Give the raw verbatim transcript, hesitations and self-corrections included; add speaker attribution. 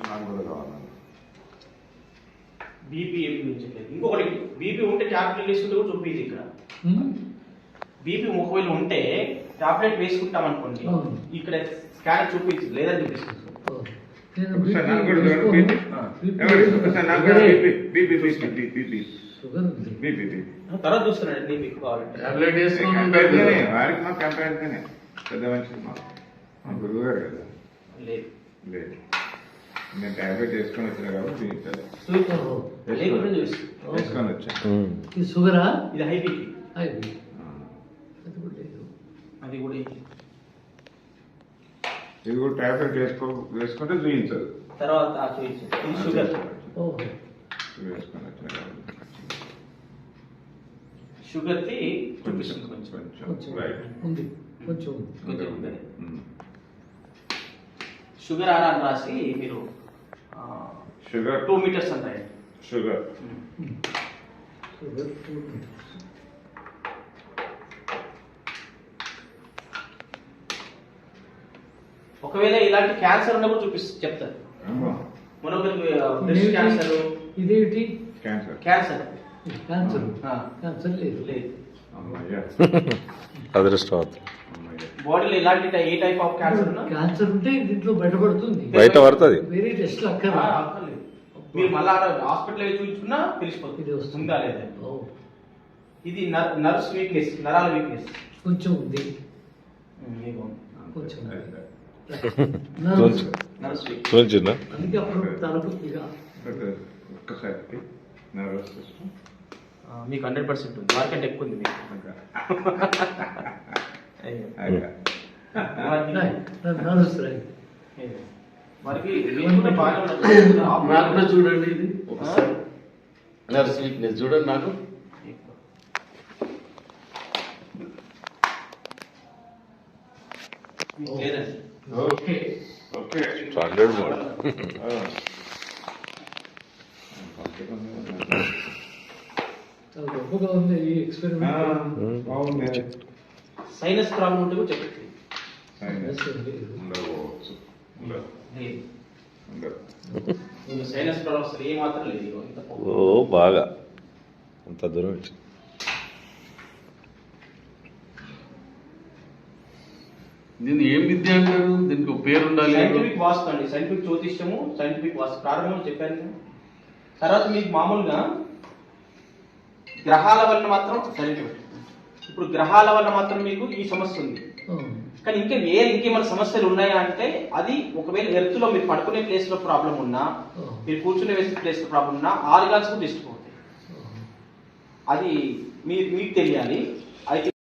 Speaker 1: నాకు కూడా కావాలండి.
Speaker 2: బీపీ ఏం చూపించట్లేదు. ఇంకొకటి బీపీ ఉంటే టాబ్లెట్ వేసుకుంటే కూడా చూపించదు ఇక్కడ. బీపీ ఒకవేళ ఉంటే టాబ్లెట్ వేసుకుంటాం అనుకోండి, ఇక్కడ స్కానర్ చూపించదు, లేదని చూపిస్తుంది. తర్వాత చూస్తున్నాడు మీకు కావాలంటే
Speaker 1: వారికి మా కంపెనీ పెద్ద మనిషి మా గురువు గారు కదా.
Speaker 2: లేదు
Speaker 1: లేదు, నేను టాబ్లెట్ వేసుకొని వచ్చినా కాబట్టి వేసుకొని వచ్చాను.
Speaker 3: షుగరా?
Speaker 2: ఇది హై బీపీ. అది కూడా
Speaker 1: ఇది కూడా టాబ్లెట్ వేసుకో వేసుకుంటే చూపించదు,
Speaker 2: తర్వాత చూపించదు. ఇది షుగర్
Speaker 1: వేసుకొని వచ్చిన కాబట్టి
Speaker 2: షుగర్ ది చూపిస్తుంది
Speaker 1: కొంచెం
Speaker 2: కొంచెం
Speaker 1: కొంచెం రైట్
Speaker 3: ఉంది, కొంచెం
Speaker 2: కొంచెం ఉంది. షుగర్ ఆర్ అని రాసి మీరు
Speaker 1: షుగర్
Speaker 2: టూ మీటర్స్ అంటాయి.
Speaker 1: షుగర్
Speaker 3: షుగర్ టూ
Speaker 2: ఒకవేళ ఇలాంటి క్యాన్సర్ ఉన్నప్పుడు చూపిస్తుంది చెప్తారు. మరొకరికి బ్రెస్ట్ క్యాన్సర్.
Speaker 3: ఇదేంటి?
Speaker 1: క్యాన్సర్.
Speaker 2: క్యాన్సర్
Speaker 3: క్యాన్సర్ క్యాన్సర్ లేదు
Speaker 2: లేదు.
Speaker 4: అదృష్టవంతులు.
Speaker 2: బాడీలో ఇలాంటి ఏ టైప్ ఆఫ్ క్యాన్సర్ ఉన్నా
Speaker 3: క్యాన్సర్ ఉంటే దీంట్లో బయటపడుతుంది,
Speaker 4: బయట పడుతుంది.
Speaker 3: వేరే టెస్ట్ అక్కడ
Speaker 2: అక్కర్లేదు. మీరు మళ్ళా హాస్పిటల్ చూపించుకున్నా తెలిసిపోతుంది ఉందా లేదా. ఇది నర్వ్స్ వీక్నెస్, నరాల వీక్నెస్
Speaker 3: కొంచెం ఉంది, కొంచెం
Speaker 2: నర్వ్స్ వీక్.
Speaker 4: చూపించిందా?
Speaker 3: అందుకే అప్పుడు తలకు ఇక
Speaker 1: ఒక్కసారి నర్వస్ సిస్టమ్
Speaker 2: మీకు హండ్రెడ్ పర్సెంట్ ఉంది, వారికంటే ఎక్కువ ఉంది మీకు. వారికి
Speaker 5: నాకు కూడా చూడండి, ఇది ఒకసారి నర్స్ వీక్నెస్ చూడండి నాకు.
Speaker 2: లేదండి.
Speaker 1: Okay okay
Speaker 4: standard model.
Speaker 3: చాలా గొప్పగా ఉంది ఈ ఎక్స్పెరిమెంట్.
Speaker 1: బాగుంది.
Speaker 2: సైనస్ ప్రాబ్లం ఉంటే కూడా చెప్పండి.
Speaker 1: ఉండవచ్చు,
Speaker 2: సైనస్ ప్రాబ్లం అసలు ఏ మాత్రం లేదు.
Speaker 4: ఓ బాగా అంత దూరం వచ్చి
Speaker 5: దీన్ని ఏం విద్య అంటారు? దీనికి ఒక పేరు ఉండాలి.
Speaker 2: సైంటిఫిక్ వాస్తు అండి, సైంటిఫిక్ జ్యోతిష్యము, సైంటిఫిక్ వాస్తు ప్రారంభంలో చెప్పాను నేను. తర్వాత మీకు మామూలుగా గ్రహాల వల్ల మాత్రం సైంటిఫిక్, ఇప్పుడు గ్రహాల వల్ల మాత్రం మీకు ఈ సమస్య ఉంది. కానీ ఇంకా వేరే ఇంకేమైనా సమస్యలు ఉన్నాయా అంటే అది ఒకవేళ ఎర్త్ లో మీరు పడుకునే ప్లేస్ లో ప్రాబ్లం ఉన్నా, మీరు కూర్చునే వేసే ప్లేస్ లో ప్రాబ్లం ఉన్నా, ఆర్గాన్స్ కూడా డిస్టర్బ్ అవుతాయి. అది మీరు మీకు తెలియాలి. అయితే